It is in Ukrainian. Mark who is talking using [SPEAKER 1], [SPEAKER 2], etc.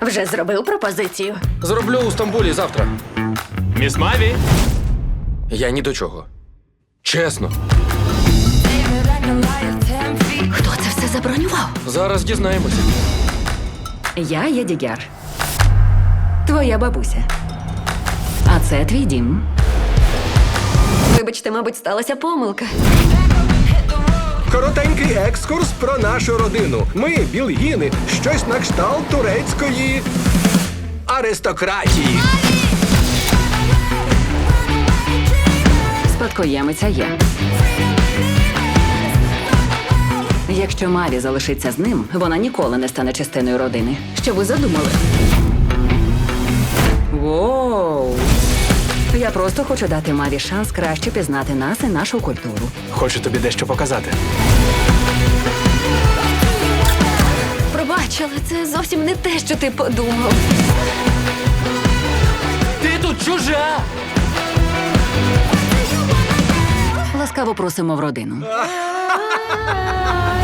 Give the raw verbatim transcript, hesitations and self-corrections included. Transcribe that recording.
[SPEAKER 1] Вже зробив пропозицію.
[SPEAKER 2] Зроблю у Стамбулі завтра.
[SPEAKER 3] Міс Маві?
[SPEAKER 2] Я ні до чого. Чесно.
[SPEAKER 1] Хто це все забронював?
[SPEAKER 2] Зараз дізнаємося.
[SPEAKER 4] Я Єдігяр. Твоя бабуся. А це твій дім.
[SPEAKER 1] Вибачте, мабуть, сталася помилка.
[SPEAKER 5] Коротенький екскурс про нашу родину. Ми білгіни, щось на кшталт турецької аристократії.
[SPEAKER 4] Спадкоємиця є. Якщо Маві залишиться з ним, вона ніколи не стане частиною родини. Що ви задумали? Воу! Я просто хочу дати Маві шанс краще пізнати нас і нашу культуру.
[SPEAKER 3] Хочу тобі дещо показати.
[SPEAKER 1] Пробач, але це зовсім не те, що ти подумав.
[SPEAKER 3] Ти тут чужа!
[SPEAKER 4] Ласкаво просимо в родину.